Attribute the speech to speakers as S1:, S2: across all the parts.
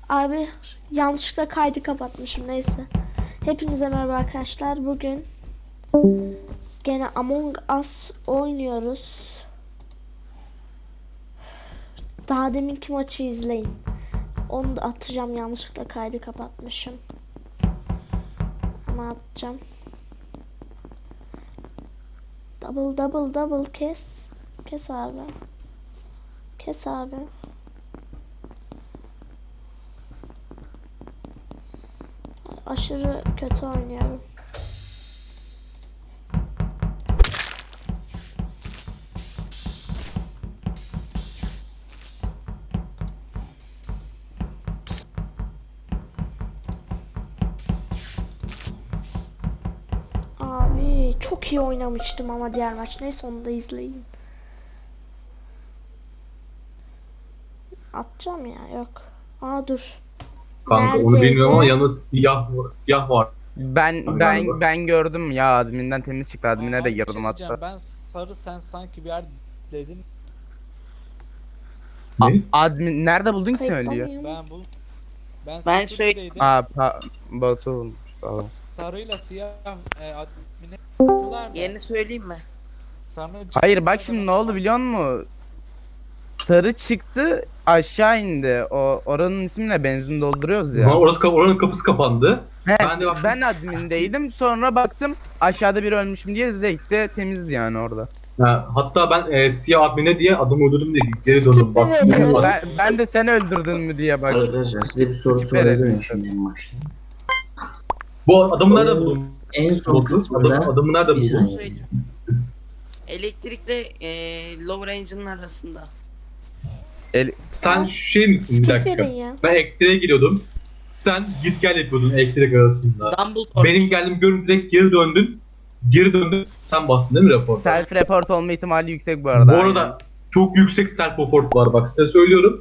S1: Abi yanlışlıkla kaydı kapatmışım, neyse. Hepinize merhaba arkadaşlar. Bugün gene Among Us oynuyoruz. Daha deminki maçı izleyin. Onu da atacağım, yanlışlıkla kaydı kapatmışım. Ama atacağım. Double kes. Kes abi. Kes abi. Aşırı kötü oynuyorum. Abi çok iyi oynamıştım ama diğer maç. Neyse, onu da izleyin. Atacağım ya, yok. Aa dur.
S2: Kanka onu bilmiyorum ama yalnız siyah var.
S3: Ben gördüm ya, adminden temiz çıktı. Admine de
S4: Abi bir şey
S3: girdim
S4: diyeceğim.
S3: hatta.
S4: Ben sarı, sen sanki bir yer dedin.
S2: Ne?
S3: Admin nerede buldun ki sen
S1: Kayıtta
S3: ölüyor?
S1: mıyım?
S4: Ben security'deydim.
S3: Batu olmuş. Tamam.
S4: Sarıyla siyah admine yaptılar da.
S5: Yerini söyleyeyim mi?
S4: Sarı
S3: Hayır bak şimdi ne oldu biliyor musun? Sarı çıktı, aşağı indi. Oranın ismiyle benzin dolduruyoruz ya.
S2: Oranın kapısı kapandı.
S3: He,
S2: Ben de baktım.
S3: ben admindeydim. Sonra baktım aşağıda biri ölmüşüm diye, zevkte temizdi yani orada.
S2: Hatta ben siyah admine diye adımı öldürdüm diye geri döndüm. Bak.
S1: Evet.
S3: Ben de sen öldürdün mü diye baktım.
S6: Arkadaşlar size bir soru
S3: Skip verelim
S6: sorabilirim
S3: istedim.
S6: şimdi en başta.
S2: Bu adamı nerede buldun?
S6: En son kısmında
S2: Adamı nerede
S6: bir
S2: buldun?
S6: saniye.
S5: Söyleyeyim. Elektrikle lower range'ın arasında.
S2: Sen şey misin bir
S1: Skip
S2: dakika?
S1: verin ya.
S2: Ben elektriğe giriyordum. Sen git gel yapıyordun elektrik arasında.
S5: Dumbledore.
S2: Benim geldim görüntü direkt geri döndün. Geri döndün. Sen bastın değil mi rapor?
S3: Self report olma ihtimali yüksek bu arada.
S2: Bu arada çok yüksek self report var bak size söylüyorum.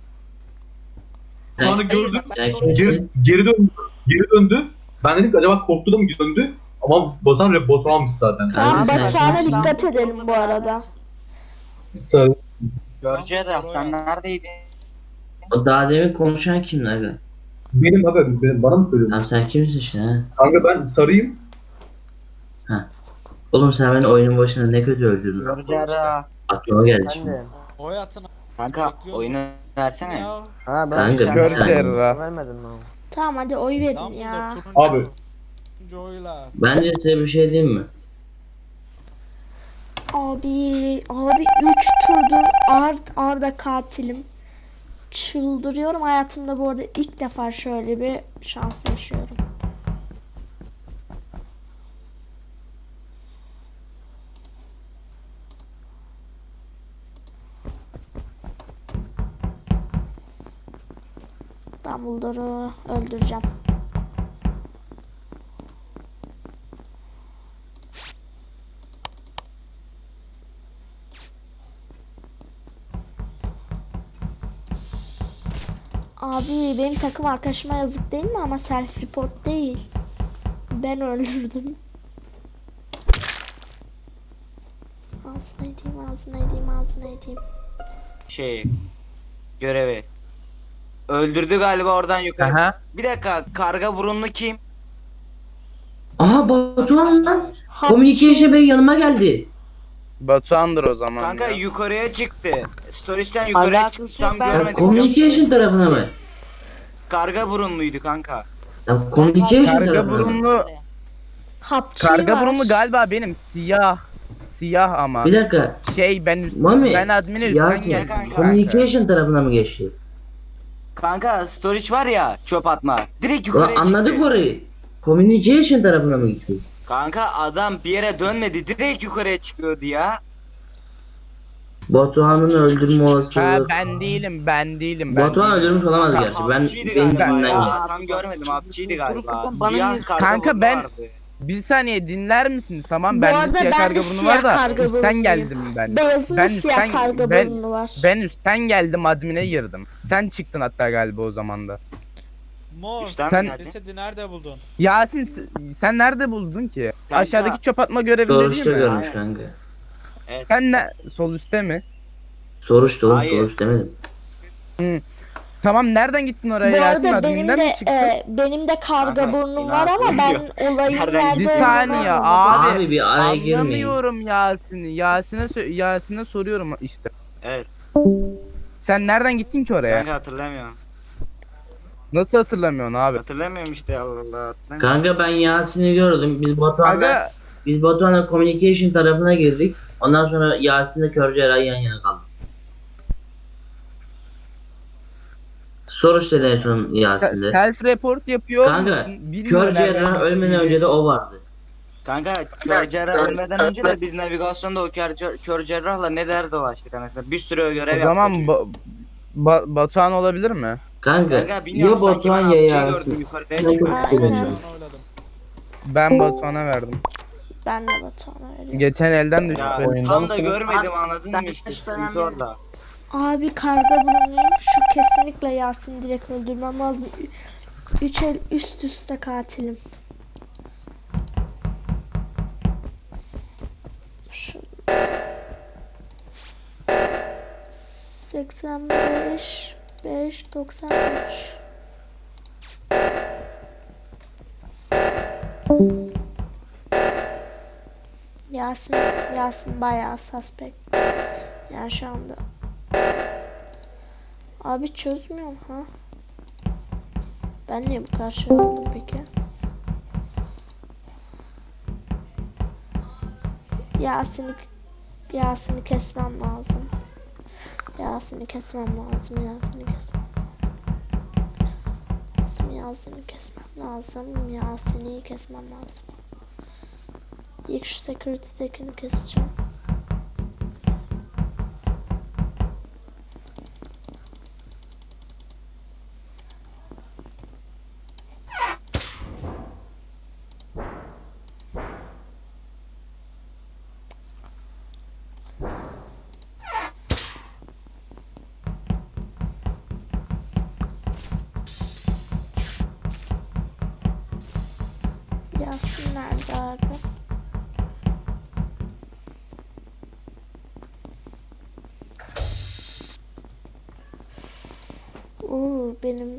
S2: Sonra
S5: Hayır,
S2: gördüm.
S5: bak, ben
S6: Erkek-
S2: Geri döndü. Geri döndü. Ben dedim ki acaba korktu da mı döndü? Ama basan report almış zaten.
S1: Tamam,
S6: Aynen.
S1: Batuhan'a
S6: Aynen.
S1: dikkat edelim bu arada.
S2: Sarı.
S7: Göreceğiz sen neredeydin?
S6: O daha demin konuşan kimdi aga?
S2: Benim haberim. Bana mı söylüyorsun?
S6: Tamam sen kimsin işte ha?
S2: Kanka ben sarıyım.
S6: Oğlum sen beni oyunun başında ne kötü öldürdün.
S7: Göreceğiz.
S6: Aklıma geldi şimdi.
S4: Oy atın.
S7: Kanka
S4: Bekliyorum.
S7: oyunu versene.
S4: Ya.
S8: Ha ben
S6: Sen de
S3: Kör
S6: bir saniye.
S3: terra.
S8: vermedim mi?
S1: Tamam, hadi oy verin
S4: Dumbledore
S1: ya.
S4: turuncu.
S2: Abi.
S4: Turuncu oyla.
S6: Bence size bir şey diyeyim mi?
S1: Abi 3 turdur arda katilim. Çıldırıyorum hayatımda, bu arada ilk defa şöyle bir şans yaşıyorum. Dumbledore'u öldüreceğim. Abi benim takım arkadaşıma yazık değil mi, ama self report değil. Ben öldürdüm. Ağzına edeyim.
S7: Görevi. Öldürdü galiba oradan yukarı.
S3: Aha.
S7: Bir dakika karga burunlu kim?
S6: Aha Batuhan lan.
S1: Hapçı.
S6: Communication Bey yanıma geldi.
S3: Batuhan'dır o zaman
S7: Kanka
S3: ya.
S7: yukarıya çıktı. Storage'den yukarıya
S5: Alakası
S7: çıktı. Tam
S5: yok, ben-
S7: görmedim.
S6: Communication tarafına mı?
S7: Karga burunluydu kanka.
S6: Ya communication
S3: Karga
S6: tarafına mı?
S3: burunlu,
S1: Hapçı
S3: karga
S1: var.
S3: burunlu galiba benim, siyah. Siyah ama.
S6: Bir dakika. Mami,
S3: ben admine üstten
S6: Yasin,
S3: geldim.
S7: kanka.
S6: communication tarafına mı geçti?
S7: Kanka storage var ya çöp atma. Direkt
S6: Ulan
S7: yukarıya çıktı.
S6: anladık orayı. Communication tarafına mı gitti?
S7: Kanka adam bir yere dönmedi. Direkt yukarıya çıkıyordu ya.
S6: Batuhan'ın öldürme
S3: Ha,
S6: olasılığı.
S3: ben değilim.
S6: Batuhan öldürmüş olamaz
S7: Kanka,
S6: gerçi. Ben
S7: hapçıydı
S6: benim
S7: galiba
S6: yüzümden
S7: ya.
S6: geldi.
S7: Tam görmedim hapçıydı galiba.
S5: Bana
S7: Siyah
S5: niye-
S7: karga
S3: Kanka
S7: burnu
S3: ben-
S7: vardı.
S3: Bir saniye dinler misiniz? Tamam,
S1: Bu
S3: ben de
S1: arada
S3: siyah
S1: ben
S3: karga
S1: de
S3: burnu
S1: siyah
S3: var da
S1: karga
S3: üstten
S1: burnluyum.
S3: geldim ben.
S1: Beyazın
S3: Ben
S1: da siyah
S3: üstten-
S1: karga
S3: ben-
S1: burnu var.
S3: Ben üstten geldim, admine girdim. Sen çıktın hatta galiba o zaman da.
S4: Mor.
S7: Üstten
S3: Sen-
S7: mi geldi?
S4: Cesedi nerede buldun?
S3: Yasin sen nerede buldun ki?
S7: Kanka-
S3: Aşağıdaki çöp atma görevinde
S6: Soruşta
S3: değil mi?
S6: görmüş kanka.
S3: Sen ne? Sol üstte mi?
S6: Soruşta oğlum,
S7: Hayır.
S6: soruş demedim.
S3: Tamam nereden gittin oraya
S1: Bu
S3: Yasin?
S1: arada benim
S3: Adminden mi
S1: de
S3: çıktın?
S1: benim de karga
S7: Kanka,
S1: burnum var ama ben
S7: inanmıyorum.
S1: olayın
S7: Nereden
S1: nerede
S3: Bir
S7: gidiyor?
S1: olduğunu
S3: saniye
S1: anlamadım.
S3: abi.
S6: Abi bir araya girmeyin.
S3: Anlamıyorum Yasin'i. Yasin'e soruyorum işte.
S7: Evet.
S3: Sen nereden gittin ki oraya?
S7: Kanka hatırlamıyorum.
S3: Nasıl hatırlamıyorsun abi?
S7: Hatırlamıyorum işte Allah Allah. Hatırlamıyorum.
S6: Kanka ben Yasin'i gördüm.
S3: Aga
S6: Biz Batuhan'la communication tarafına girdik. Ondan sonra Yasin'le Kör Cerrah yan yana kaldık. Soru işte en son Yasin'de.
S3: self report yapıyor
S6: Kanka
S3: musun? Bilmiyorum
S6: Kör
S3: nereden
S6: Cerrah ölmeden
S3: gittiğini.
S6: önce de o vardı.
S7: Kanka kör cerrah ölmeden önce de biz navigasyonda o kör cerrahla ne der dolaştık anasını. Bir sürü görev
S3: O
S7: yaptık.
S3: zaman Batuhan olabilir mi?
S6: Kanka
S7: Kanka bilmiyorum
S6: ya
S7: sanki ben
S6: Batuhan ya
S7: amcayı
S6: Yasin.
S7: gördüm yukarıya
S6: Ben çok
S7: çıkıyor.
S1: Aynen.
S6: seviyorum.
S4: Oyladım.
S3: Ben Batuhan'a verdim.
S1: Ben de Batuhan'a veriyorum.
S3: Geçen elden düştü
S7: Ya
S3: benim.
S7: tam da görmedim anladın mı işte sıkıntı orada.
S1: Abi karga burnuyum. Şu kesinlikle Yasin direkt öldürmem lazım. 3 el üst üste katilim. Şu 85 5 93. Yasin bayağı suspect. Yani şu anda. Abi çözmüyorum ha. Ben niye bu kadar şey oldum peki? Yasin'i kesmem lazım. Yasin'i kesmem lazım. Yasin'i kesmem lazım. İlk şu security'dekini keseceğim. Yasin nerede abi? Benim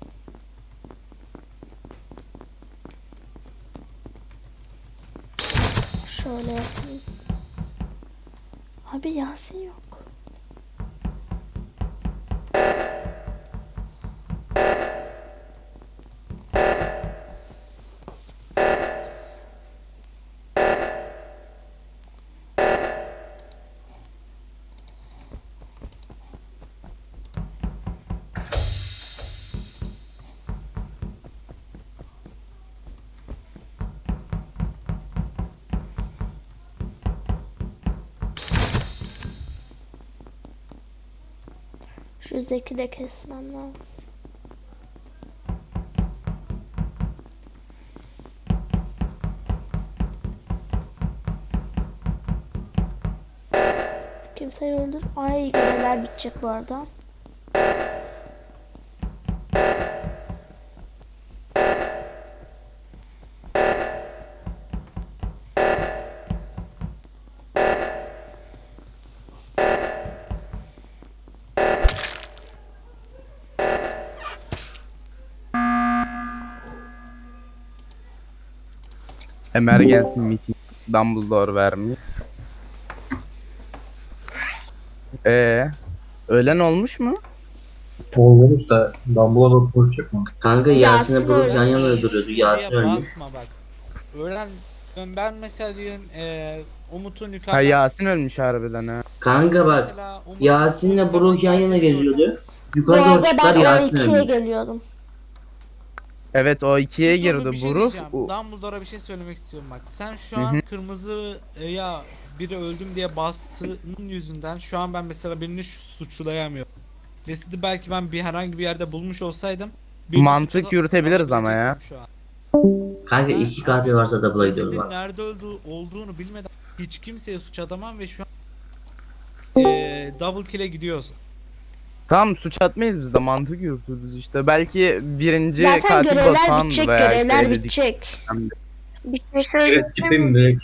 S1: şöyle yapayım. Abi Yasin yok. Şu Zeki de kesmem lazım. Kimseyi öldür. Ay görevler bitecek bu arada.
S3: Emergency meeting Dumbledore vermiş. Ölen olmuş mu?
S2: Olmuş da Dumbledore konuşacak mı?
S6: Kanka
S1: Yasin
S6: Yasin'le Bruce yan yana
S1: ölmüş.
S6: duruyordu. Yasin
S4: Diye
S6: ölmüş.
S4: basma bak. Öğren ben mesela diyelim Umut'un
S3: Ha
S4: yukarıdan
S3: Yasin ölmüş harbiden ha.
S6: Kanka bak
S4: mesela Umut
S6: Yasin'le
S4: yukarıdan
S6: Bruce yan yana
S4: geldiğini gördüm.
S6: geziyordu.
S1: Bu
S6: Yukarı doğru
S1: arada
S6: çıktılar
S1: ben
S6: Yasin
S1: O2'ye
S6: ölmüş.
S1: geliyordum.
S3: Evet o ikiye
S4: Sus oğlum,
S3: girdi.
S4: bir şey
S3: Bruce.
S4: diyeceğim. Dumbledore'a bir şey söylemek istiyorum bak. Sen şu
S3: Hı
S4: an
S3: hı.
S4: kırmızı ya biri öldüm diye bastığın yüzünden şu an ben mesela birini suçlayamıyorum. Residi belki ben herhangi bir yerde bulmuş olsaydım birini
S3: Mantık
S4: suçla-
S3: yürütebiliriz ama ya.
S4: alabilecektim şu an.
S6: Kanka iki katil varsa double'a gidiyoruz
S4: Cesedin
S6: bak.
S4: nerede olduğunu bilmeden hiç kimseye suç atamam ve şu an double kill'e gidiyoruz.
S3: Tamam suç atmayız biz de mantık yürütürüz işte. Belki birinci
S1: Zaten
S3: katil
S1: görevler
S3: Batuhan
S1: bitecek,
S3: veya işte
S1: görevler
S3: eledik.
S1: bitecek.
S8: Bir şey söyleyeyim
S2: Evet gitsin direkt.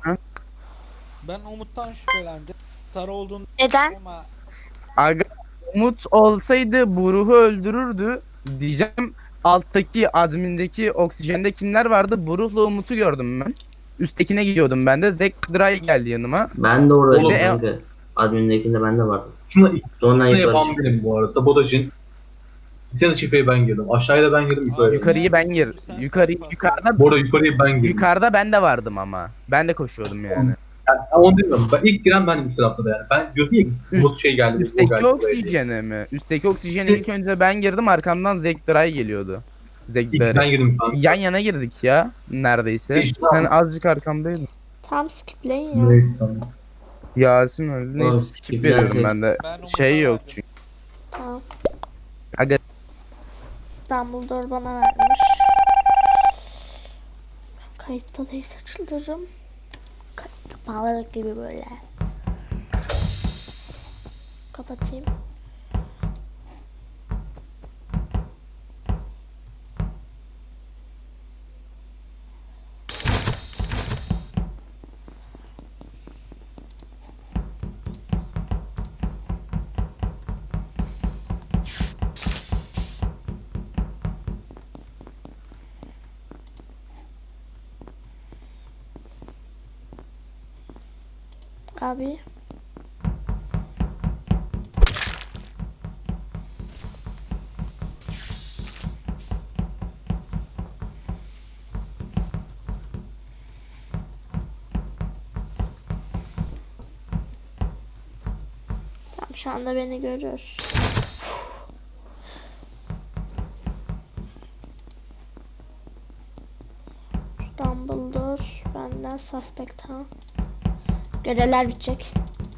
S4: Ben Umut'tan şüphelendim. Sarı olduğunu
S8: Neden?
S4: ama
S3: Aga Umut olsaydı Buruh'u öldürürdü diyeceğim. Alttaki admindeki oksijende kimler vardı? Buruh'la Umut'u gördüm ben. Üsttekine gidiyordum ben de. Zack Dry geldi yanıma.
S6: Ben de oradaydım
S2: Oğlum,
S6: kanka. Admin'dekinde ben de vardım.
S2: Şuna
S6: Sonradan
S2: ikisini
S6: yukarı
S2: yapan
S6: çıktım.
S2: benim bu arada. Sabotajın. Bir tane çiftliğe ben girdim. Aşağıya da ben girdim, yukarıya.
S3: Yukarıyı ben gir. Yukarıda
S2: Bu arada yukarıya ben girdim.
S3: yukarıda ben de vardım ama. Ben de koşuyordum yani.
S2: Yani, onu demiyorum. Ben ilk giren bendim üst tarafta da yani. Ben diyorsun ya Umut şey geldi. o
S3: Üstteki
S2: geldi buraya diye.
S3: oksijene mi? Üstteki oksijene ilk önce ben girdim, arkamdan Zack Dry geliyordu. Zack
S2: İlk
S3: Dry.
S2: ben girdim kanka.
S3: Yan yana girdik ya neredeyse.
S2: İşte
S3: Sen
S2: ama.
S3: azıcık arkamdaydın.
S1: Tam skipleyin ya.
S2: Neyse, tamam.
S3: Yasin öldü. Neyse
S6: Oğlum,
S3: skip
S6: skip
S3: veriyorum
S6: dersin.
S3: ben de.
S4: Ben Umut'a
S3: Şey yok
S4: verdim.
S3: çünkü.
S1: Tamam.
S3: Aga
S1: Dumbledore bana vermiş. Kayıtta değilse çıldırırım. Kayıtta bağladık gibi böyle. Kapatayım. Abi. Tamam, şu anda beni görüyor. Dumbledore benden suspect ha. Görevler bitecek.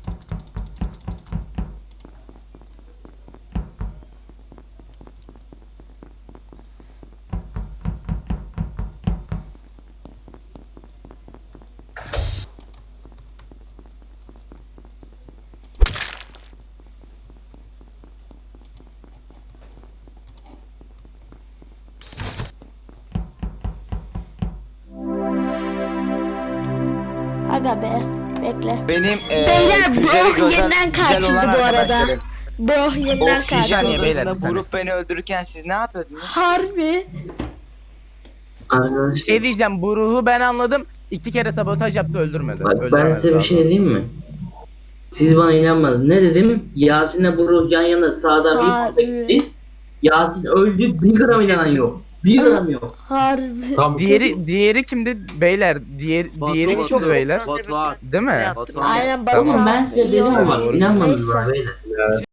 S1: Aga be. Bekle.
S7: Benim
S1: Beyler,
S7: güzel
S1: bro yeniden kaçıldı bu arada.
S7: arkadaşlarım.
S1: Bro yeniden
S7: Oksijen
S3: kaçıldı.
S1: kaçıldı.
S3: Beyler, bir
S7: odasında
S3: saniye.
S7: Buruh beni öldürürken siz ne yapıyordunuz?
S1: Harbi.
S3: bir
S6: Arkadaşlar
S3: şey diyeceğim, bu ruhu ben anladım. 2 kere sabotaj yaptı, öldürmedi.
S6: bak ben
S3: Öldüremedi
S6: size bir
S3: daha
S6: şey
S3: doğrusu.
S6: diyeyim mi? Siz bana inanmadınız. Ne dedim? Yasin'le Buruh yan yana sağdan bir pasa
S1: Harbi.
S6: gitti. Yasin öldü. Bir gram inanan yok. Bir gram yok.
S1: Harbi.
S2: Tamam.
S3: Diğeri kimdi beyler? Diğeri
S6: Batu.
S3: kimdi beyler?
S5: Batuhan.
S3: Değil mi?
S1: Aynen
S3: Tamam.
S1: Batuhan.
S6: Ben size
S1: iyi
S6: dedim ama
S1: oynamış.
S6: inanmadınız
S1: Neyse.
S6: bana beyler.